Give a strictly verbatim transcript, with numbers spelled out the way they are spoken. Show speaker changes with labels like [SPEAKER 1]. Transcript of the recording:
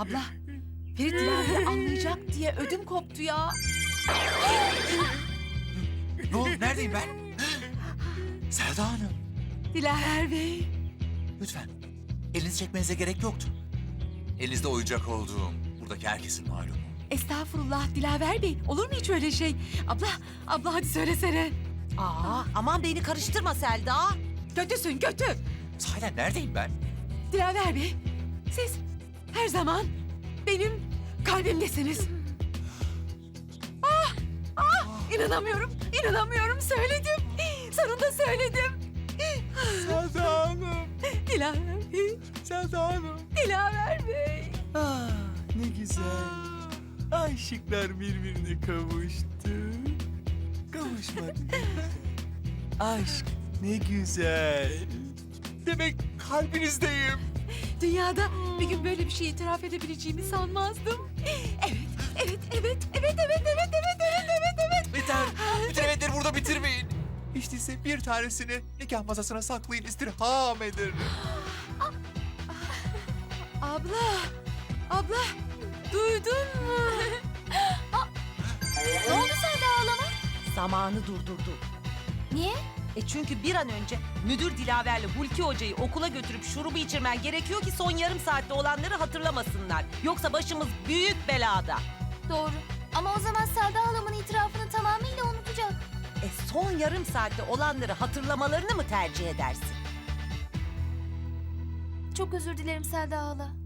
[SPEAKER 1] Abla, Ferit Dilaver'i anlayacak diye ödüm koptu ya.
[SPEAKER 2] Ne oldu? Neredeyim ben? Selda Hanım.
[SPEAKER 1] Dilaver Bey.
[SPEAKER 2] Lütfen. Elinizi çekmenize gerek yoktu. Elinizde oyuncak olduğum buradaki herkesin malumu.
[SPEAKER 1] Estağfurullah Dilaver Bey. Olur mu hiç öyle şey? Abla, abla hadi söylesene.
[SPEAKER 3] Aa, aman beni karıştırma Selda.
[SPEAKER 1] Kötüsün kötü.
[SPEAKER 2] Sahiden neredeyim ben?
[SPEAKER 1] Dilaver Bey, siz her zaman benim kalbimdesiniz. Ah, ah, inanamıyorum, inanamıyorum. Söyledim, sonunda söyledim.
[SPEAKER 2] Selda Hanım.
[SPEAKER 1] Dilaver Bey,
[SPEAKER 2] Selda Hanım.
[SPEAKER 1] Dilaver Bey.
[SPEAKER 2] Ah, ne güzel. Aşıklar birbirine kavuştu. Kavuşmak. Aşk ne güzel. Demek kalbinizdeyim.
[SPEAKER 1] Dünyada bir gün böyle bir şey itiraf edebileceğimi sanmazdım. Evet, evet, evet, evet, evet, evet, evet, evet, evet, evet.
[SPEAKER 2] Yeter. Bütün evetleri burada bitirmeyin. Hiç değilse bir tanesini nikah masasına saklayın, istirham ederim.
[SPEAKER 1] Abla, abla, duydun mu?
[SPEAKER 4] Ne oldu Selda ağlama?
[SPEAKER 3] Zamanı durdurdu.
[SPEAKER 4] Niye?
[SPEAKER 3] E çünkü bir an önce müdür Dilaver'le Hulki Hoca'yı okula götürüp şurubu içirmen gerekiyor ki son yarım saatte olanları hatırlamasınlar. Yoksa başımız büyük belada.
[SPEAKER 4] Doğru. Ama o zaman Selda halamın itirafını tamamıyla unutacak.
[SPEAKER 3] E son yarım saatte olanları hatırlamalarını mı tercih edersin?
[SPEAKER 4] Çok özür dilerim Selda hala.